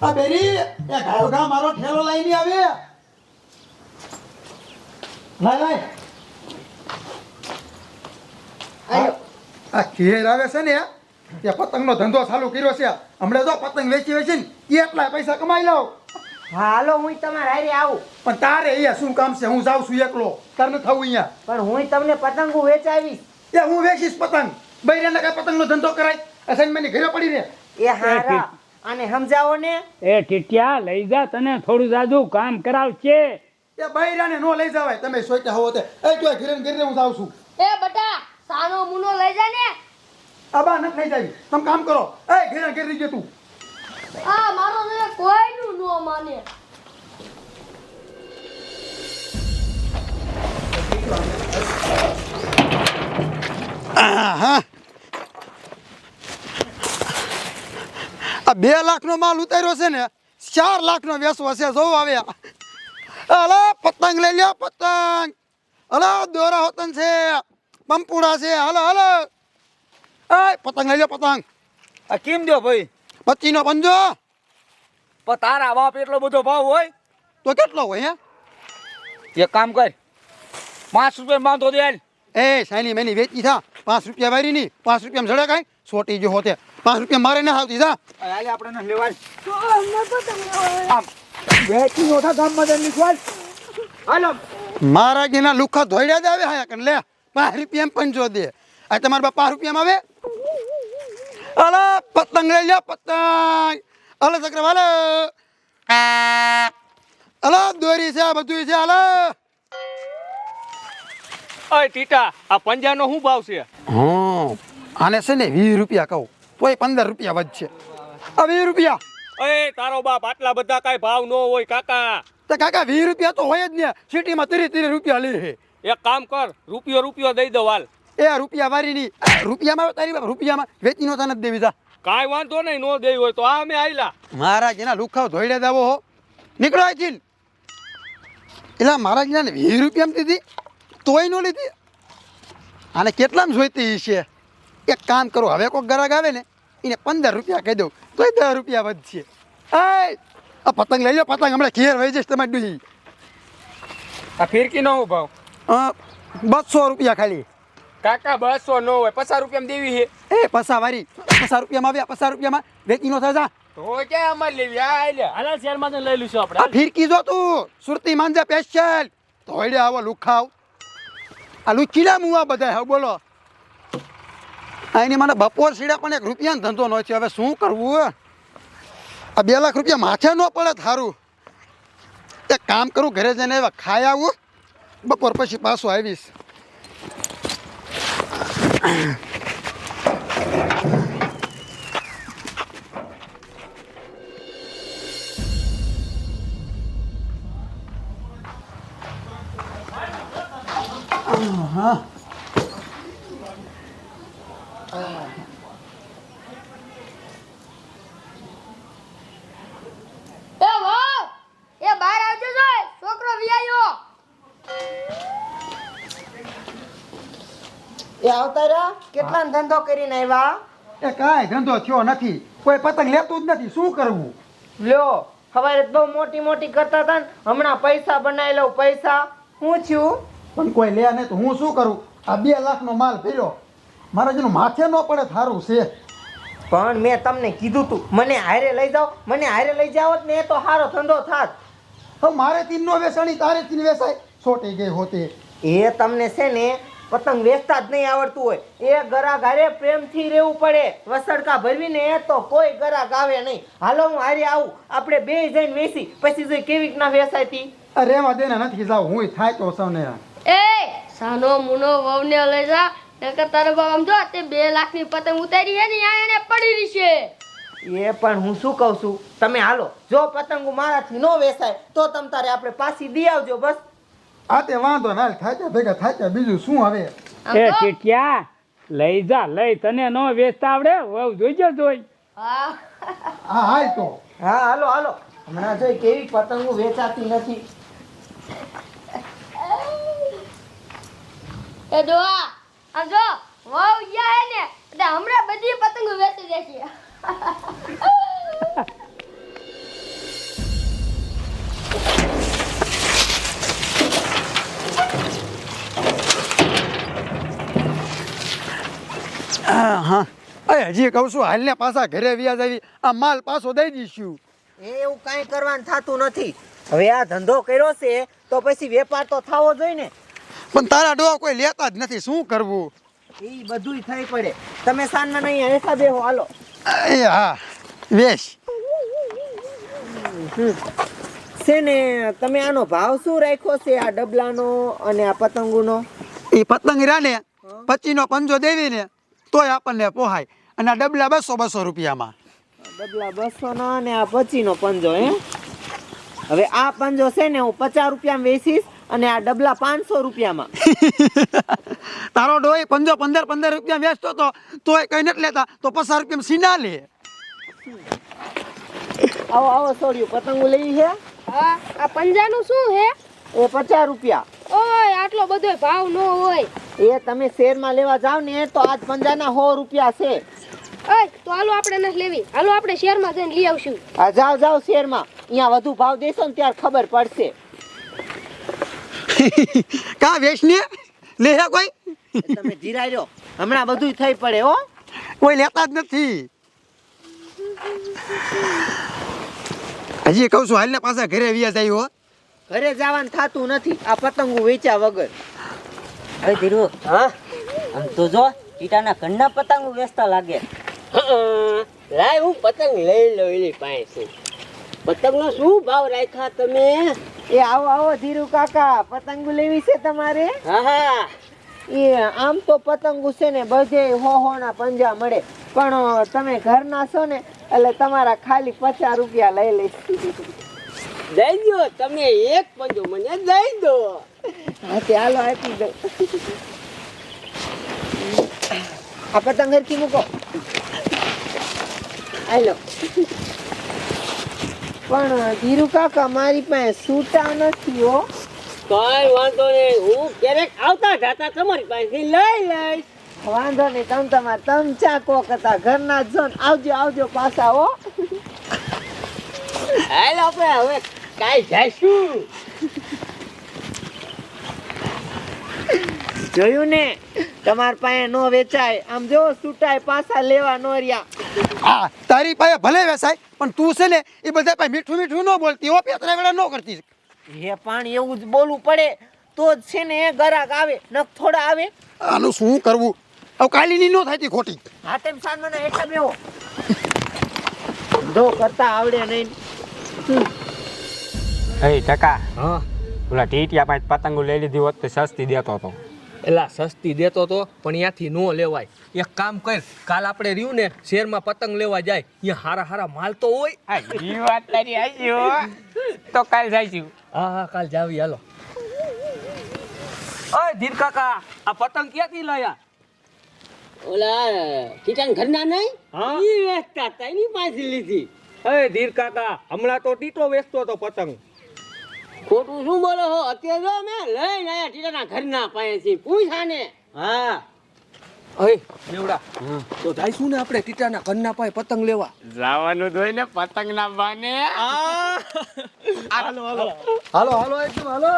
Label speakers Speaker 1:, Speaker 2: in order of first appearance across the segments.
Speaker 1: આ બેરી એ ગાયો મારો ઠેલો લઈને આવે લાય આ ઘેર આવે છે ને એ પતંગનો ધંધો ચાલુ કર્યો છે હમણાં જો પતંગ વેચી વેચીને કેટલા પૈસા કમાઈ લઉં
Speaker 2: હાલો હું તમારા હારે આવું
Speaker 1: પણ તારે અહીંયા શું કામ છે હું જાઉં છું એકલો તારે ન થવું અહીંયા
Speaker 2: પણ હું તમને પતંગો વેચાવીશ
Speaker 1: એ હું વેચીશ પતંગ બૈરાને કઈ પતંગનો ધંધો કરાય અસાઇનમેન્ટની ઘરે પડી રહે
Speaker 2: એ હારા અને સમજાવો ને
Speaker 3: એ ટીટિયા લઈ જા તને થોડું જાજુ કામ કરાવશે
Speaker 1: એ બૈરાને નો લઈ જવાય તમે સોચતા હોવો તે એ તું ઘરે ને ઘરે હું જાઉં છું
Speaker 4: એ બટા સાનો મુનો લઈ જા ને
Speaker 1: આબા ન થઈ જાય તમે કામ કરો એ ઘરે ને ઘરે તું
Speaker 4: આ મારો ને કોઈનું નો માને
Speaker 1: હા આ 2 લાખનો માલ ઉતાર્યો છે ને 4 લાખનો વેચવો છે જો આવે અલા પતંગ લઈ લ્યો પતંગ અલા દોરા હોતન છે પંપુડા છે હાલો હાલો એ પતંગ લઈ લ્યો પતંગ
Speaker 5: આ કેમ દો ભાઈ
Speaker 1: 25 નો પંજો
Speaker 5: પણ તારા બાપ એટલો બધો ભાવ હોય
Speaker 1: તો કેટલો હોય હે
Speaker 5: એક કામ કર 5 રૂપિયા બાંધો દે હાલ.
Speaker 1: એ સાની મેની વેચી થા 5 રૂપિયા વારી ની 5 રૂપિયા જડે કાંઈ છોટી જો હોતે 5 રૂપિયા મારે ના આવતી થા
Speaker 5: હાલે આપણે ન લેવાય
Speaker 1: આમ વેચી નો થા ગામમાં જઈને ખવાલ હાલો મારા ગીના લુખા ધોઈડ્યા દે આવે હા કન લે 5 રૂપિયા પંજો દે આ તમારા બા 5 રૂપિયામાં આવે અલા પતંગ લઈ લ્યો પતંગ અલા ચક્રવાલે અલા દોરી છે બધું છે અલા
Speaker 5: ઓય ટીટા આ પંજાનો શું ભાવ છે
Speaker 1: હા આને છે ને 20 રૂપિયા કહું તોય 15 રૂપિયા વધશે આ 20 રૂપિયા
Speaker 5: ઓય તારો બાપ આટલા બધા કાઈ ભાવ ન હોય કાકા
Speaker 1: તો કાકા 20 રૂપિયા તો હોય જ ને સિટીમાં 30 રૂપિયા લે છે
Speaker 5: એક કામ કર રૂપિયો દઈ દો હાલ
Speaker 1: એ રૂપિયા વારી ની રૂપિયામાં તારી બાપ રૂપિયામાં વેચી નો તને દેવી જા
Speaker 5: કાઈ વાંધો નહીં નો દેવી હોય તો આ અમે આયલા
Speaker 1: મારા જેના લુખાવ ધોઈડે દાવો હો નીકળો અહીંથી એટલે મારા જેના 20 રૂપિયામાં દીધી તોય નો લીધી આને કેટલામાં જોઈતી છે એક કામ કરો હવે કોઈ ગ્રાહક આવે ને એને 15 રૂપિયા કહી દઉં તોય 10 રૂપિયા વધશે આ પતંગ લઈ લો પતંગ હમણાં ઘેર વહી જશે તમારી ડૂહી
Speaker 5: આ ફિરકી નો ભાવ
Speaker 1: 200 રૂપિયા ખાલી
Speaker 5: કાકા 200 નો હોય 50 રૂપિયામાં દેવી છે
Speaker 1: એ પસા વારી 50 રૂપિયામાં આવ્યા 50 રૂપિયામાં વેચી નો થાય
Speaker 5: તો ક્યાં અમાર લેવી આ લે હાલા શેરમાં લઈ લઈશું આપણે
Speaker 1: આ ફિરકી જો તું સુરતી માંજા સ્પેશિયલ ધોઈડે આવો લુખાવ આ લુચીલા મુવા બધા હવે બોલો આની મને બપોર સીડા પણ 1 રૂપિયાનો ધંધો ન છે હવે શું કરવું આ 2 લાખ રૂપિયા માથે ન પડે થારું એક કામ કરું ઘરે જઈને એવા ખાઈ આવું બપોર પછી પાછો આવીશ હા
Speaker 4: એ વાહ એ બહાર આવજો જોય છોકરો વિયાયો
Speaker 2: એ આવતા રહ્યા કેટલા ધંધો કરીને આવ્યા
Speaker 1: એ કાંઈ ધંધો થયો નથી કોઈ પતંગ લેતું જ નથી શું કરવું
Speaker 2: લ્યો સવારે બહુ મોટી કરતા હતા ને હમણાં પૈસા બનાવી લઉં પૈસા હું થયું
Speaker 1: પણ કોઈ લે નહીં તો હું શું કરું આ 2 લાખનો માલ ફેર્યો મારા જેનું માથે ન પડે થારું છે
Speaker 2: પણ મેં તમને કીધું તું મને હારે લઈ જાઓ ને એ તો સારો ધંધો થાત
Speaker 1: હવે મારે તીન નો વેચાણી તારે તીન વેચાય છોટી ગઈ હોતી
Speaker 2: એ તમને છે ને પતંગ વેચતા જ નહીં આવડતું હોય એ ગરાક હારે પ્રેમથી રહેવું પડે વસડકા ભરવીને એ તો કોઈ ગરાક આવે નહીં હાલો હું હારે આવું આપણે બે જઈને વેચી પછી જોઈ કેવી રીતના વેચાતી
Speaker 1: રેવા દેના નથી જાવ હું થાય તો સૌને
Speaker 4: એ સાનો મુનો વવને લઈ જા નકર તારો બાપ આમ જો તે 2 લાખની પતંગ ઉતારી છે ને આ એને પડી રહી છે
Speaker 2: એ પણ હું શું કહું છું તમે હાલો જો પતંગો મારાથી ન વેચાય તો તમ તારે આપણે પાછી દી આવજો બસ
Speaker 1: આ તે વાંધો ના થાય ભેગા થાય બીજું શું હવે
Speaker 3: એ ટીટિયા લઈ જા લઈ તને નો વેચતા આવડે વહુ જોઈજો જોઈ
Speaker 4: હા
Speaker 1: હા હાલ તો
Speaker 2: હા હાલો હમણાં જોઈ કેવી પતંગો વેચાતી નથી
Speaker 4: એ દોઆ આમ જો વહુ ગયા હે ને એટલે હમણાં બધી પતંગો વેચી દેશે
Speaker 1: હા અરે હજી કહું છું હાલને પાછા ઘરે વ્યાજ આવી આ માલ પાછો દઈ દઈશું.
Speaker 2: એવું કાંઈ કરવાનું થતું નથી. હવે આ ધંધો કર્યો છે તો પછી વેપાર તો થવો જોઈએ ને.
Speaker 1: પણ તારા ડોહા કોઈ લેતા જ નથી, શું કરવું?
Speaker 2: એ બધુંય થઈ પડે. તમે સાંજના નહીં હેઠા બેહો હાલો.
Speaker 1: એ હા વેશ.
Speaker 2: છે ને તમે આનો ભાવ શું રાખ્યો છે આ ડબલાનો અને આ પતંગોનો?
Speaker 1: એ પતંગ રાને 25નો પંજો દેવી ને તોય આપણને પોહાય, અને આ ડબલા 200 રૂપિયામાં.
Speaker 2: ડબલા 200 નો અને આ 25 નો પંજો હે. હવે આ પંજો છે ને હું 50 રૂપિયામાં વેચીશ અને આ ડબલા 500 રૂપિયામાં.
Speaker 1: તારો ડોહી પંજો 15 રૂપિયા વેચતો તો તોય કઈ નથી લેતા, તો 50 રૂપિયામાં સીના લે.
Speaker 2: આવો આવો છોડ્યું પતંગો લઈ છે
Speaker 4: હા આ પંજાનું શું હે?
Speaker 2: એ 50 રૂપિયા.
Speaker 4: ઓય આટલો બધો ભાવ ન હોય.
Speaker 2: એ તમે શેરમાં લેવા જાવ ને તો આજ પંજાના 100 રૂપિયા છે.
Speaker 4: ઓય તો હાલો આપણે નથી લેવી, હાલો આપણે શહેરમાં જઈને લઈ આવશું.
Speaker 2: હા જાઓ જાઓ શેરમાં, અહીંયા વધુ ભાવ દેશો ને ત્યારે ખબર પડશે.
Speaker 1: કા વેચને લે હે કોઈ?
Speaker 2: તમે ધીરાઈ રહ્યો, હમણાં બધું થઈ પડે હો.
Speaker 1: કોઈ લેતા જ નથી. હજી કહું છું હાલને પાછા ઘરે વ્યાજ આવ્યો.
Speaker 2: ઘરે જવાનું થતું નથી આ પતંગો વેચ્યા વગર.
Speaker 6: અરે ધીરુ, હા આમ તો જો ટીટાના ઘરના પતંગો વેચતા લાગે.
Speaker 7: લાય હું પતંગ લઈ લો એની પાસે. પતંગનો શું ભાવ રાખ્યા તમે?
Speaker 2: એ આવો આવો ધીરુ કાકા, પતંગો લેવી છે તમારે?
Speaker 7: હા હા
Speaker 2: એ આમ તો પતંગો છે ને બધે હો ના પંજા મળે, પણ તમે ઘરના છો ને એટલે તમારા ખાલી 50 રૂપિયા લઈ લઈશ.
Speaker 7: દઈ દો તમે એક પંજો મને દઈ દો.
Speaker 2: હા તે હાલો આપી દો. આ પતંગ હરખી મૂકો. હાલો. પણ ધીરુ કાકા મારી પાસે સૂટા નથી હો.
Speaker 7: કઈ વાંધો નહીં, હું ક્યારેક આવતા જતા તમારી પાસેથી લઈ લઈશ.
Speaker 2: વાંધો નહીં, તમે તમારે તમચા કોક હતા ઘરના જ છો ને. આવજો આવજો પાછા હો.
Speaker 7: હાલ આપણે હવે કાઈ જઈશું.
Speaker 2: જોયું ને તમાર પાસે નો વેચાય, આમ જો સૂટાય પાછા લેવા નો રહ્યા.
Speaker 1: આ તારી પાસે ભલે વેચાય પણ તું છે ને એ બધા પાસે મીઠું મીઠું ન બોલતી હો, પેતરા વેળા ન કરતી.
Speaker 2: હે પાણી એવું જ બોલવું પડે તો જ છે ને ગરાક આવે, નક થોડા આવે.
Speaker 1: આનું શું કરવું? હવે કાલીની ન થાય તી ખોટી.
Speaker 2: હા તેમ સાનમાના હેઠા બેહો. ધો કરતા આવડે નહીં.
Speaker 5: એ ટકા
Speaker 8: હા
Speaker 5: ઓલા ટીટિયા પાસે પતંગો લઈ લીધી હોત તો સસ્તી દેતો હતો.
Speaker 8: એલા સસ્તી દેતો તો પણ ત્યાંથી નો લેવાય. એક કામ કર, કાલ આપણે રહ્યું ને શેરમાં પતંગ લેવા જાય, અહીંયા હારા હારા માલ તો હોય.
Speaker 5: એ વાત તારી હાચી હો. તો કાલ જઈશું.
Speaker 8: હા હા કાલ જાવી હાલો. ઓય ધીર કાકા, આ પતંગ ક્યાંથી લાયા?
Speaker 7: ઓલા કીટાન ઘરના નહીં?
Speaker 8: હા
Speaker 7: ઈ વેચતા હતા એની પાસે લીધી.
Speaker 8: એ ધીર કાકા, હમણાં તો ટીટો વેચતો હતો પતંગ.
Speaker 7: ખોટું શું બોલો હો? અત્યારે જો મેં લઈને આયા ટીટાના ઘરના પાસેથી. પૂછા ને.
Speaker 8: હા ઓય દેવડા, તો જઈશું ને આપણે ટીટાના ઘરના પાસે પતંગ લેવા.
Speaker 5: જવાનું હોય ને પતંગ ના બાને.
Speaker 8: હાલો હાલો
Speaker 1: હાલો હાલો એકદમ હાલો.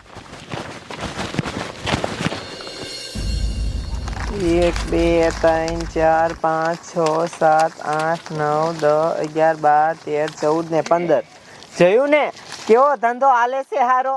Speaker 2: 1 2 3 4 5 6 7 8 9 10 11 12 13 14 ને 15. જોયું ને કેવો ધંધો હાલે છે હારો.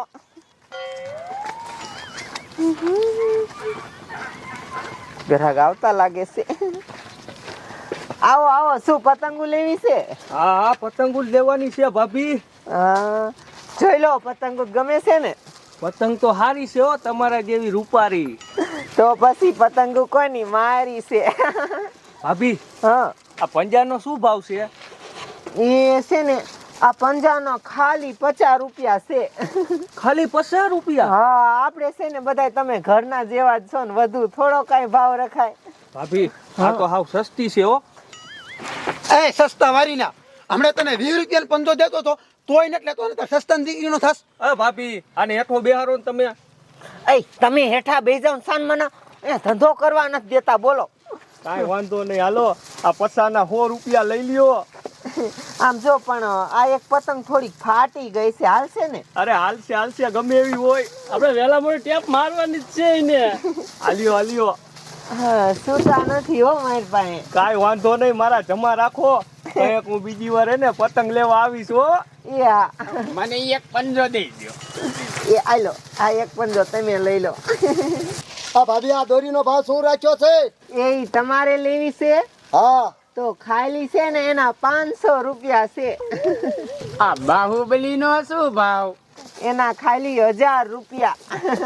Speaker 2: ગ્રાહક આવતા લાગે છે. આવો આવો, શું પતંગો લેવી છે?
Speaker 8: હા હા પતંગો જ લેવાની છે ભાભી.
Speaker 2: હા જોઈ લો, પતંગો ગમે છે ને?
Speaker 8: પતંગ તો હારી છે હો, તમારા જેવી રૂપારી.
Speaker 2: તો પછી પતંગો કોની મારી છે.
Speaker 8: ભાભી
Speaker 2: હા
Speaker 8: આ પંજાનો શું ભાવ છે?
Speaker 2: એ છે ને આ પંજાનો ખાલી 50 રૂપિયા છે.
Speaker 8: ખાલી 50 રૂપિયા?
Speaker 2: હા આપણે છે ને બધાય તમે ઘરના જેવા જ છો ને, વધુ થોડો કઈ ભાવ રખાય.
Speaker 8: ભાભી આ તો હાવ સસ્તી છે હો.
Speaker 1: એ સસ્તા વારી ના, હમણાં તને 20 રૂપિયાનો પંજો દેતો હતો તોય નથી લેતો, ને તો સસ્તા દીકરીનો થસ.
Speaker 8: અ ભાભી આને હેઠો બેહારો ને તમે.
Speaker 2: એ તમે હેઠા બેસી જાવ ને સાનમાના, એ ધંધો કરવા નથી દેતા. બોલો.
Speaker 8: કાંઈ વાંધો નહીં, હાલો આ પચાના 100 રૂપિયા લઈ લ્યો.
Speaker 2: આમ જો પણ આ એક પતંગ થોડીક ફાટી ગઈ છે, હાલશે ને?
Speaker 8: અરે હાલશે હાલશે, ગમે એવી હોય, આપણે વેલા મોડે ટેપ મારવાની જ છે ને. હાલ્યો હાલ્યો.
Speaker 2: હા સુતા નથી હો મારી પાસે.
Speaker 5: કાંઈ વાંધો નહીં, મારા જમા રાખો. કંઈક હું બીજી વાર એને પતંગ લેવા આવીશ હો.
Speaker 2: એ હા
Speaker 3: મને એક પંજો દઈ દો.
Speaker 2: એ આલો આ એક પંજો તમે લઈ લો.
Speaker 1: આ ભાભી આ દોરીનો ભાવ શું રાખ્યો છે?
Speaker 2: એ ઈ તમારે લેવી છે
Speaker 1: હા
Speaker 2: તો ખાલી છે ને એના 500 રૂપિયા છે.
Speaker 3: આ બાહુબલી નો શું ભાવ?
Speaker 2: એના ખાલી 1000 રૂપિયા.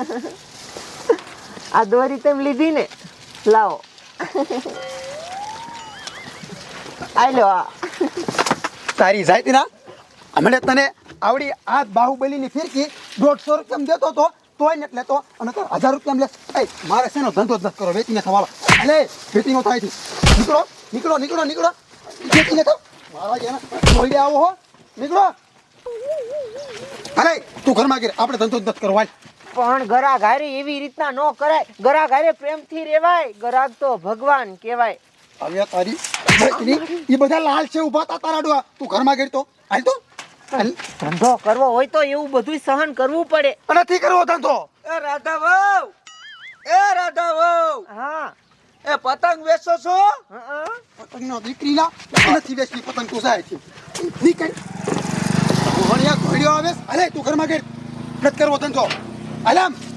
Speaker 2: આ દોરી તમે લીધી ને લાવો. આલો આ
Speaker 1: તારી જાતી ના હમણે તને આવડી આ બાહુબલીની ફિરકી 150 રૂપિયામાં દેતો તો તોય ને એટલે તો અને તો 1000 રૂપિયામાં લે. એ મારે શેનો ધંધો જ નથી કરો વેચીને થવાલો. અલે વેચીનો થાય છે. નીકળો નીકળો નીકળો નીકળો વેચીને થાવ. મારા જેના જોઈ આવો હો. નીકળો. અરે તું ઘરમાં ગીર આપણે ધંધો જ નથી કરો હાલ.
Speaker 2: પણ ગરાગ હારે એવી રીતના ન કરાય. ગરાગ હારે પ્રેમથી રેવાય. ગરાગ તો ભગવાન કહેવાય.
Speaker 1: હવે તારી એ બધા લાલ છે ઊભા તા તારા ડોહા. તું ઘરમાં ગીર તો હાલ તો હાલ.
Speaker 2: ધંધો કરવો હોય તો એવું બધું સહન કરવું પડે.
Speaker 1: નથી કરવો ધંધો.
Speaker 8: એ રાધા વહુ, એ રાધા વહુ,
Speaker 2: હા
Speaker 8: એ પતંગ વેચો છો?
Speaker 2: હા
Speaker 1: પતંગનો દીકરીના નથી વેચતી પતંગ તું જાય છે. નીકળ. ભણ્યા ઘોડ્યો આવે. અરે તું ઘરમાં ગીર નથી કરવો ધંધો. હાલ આમ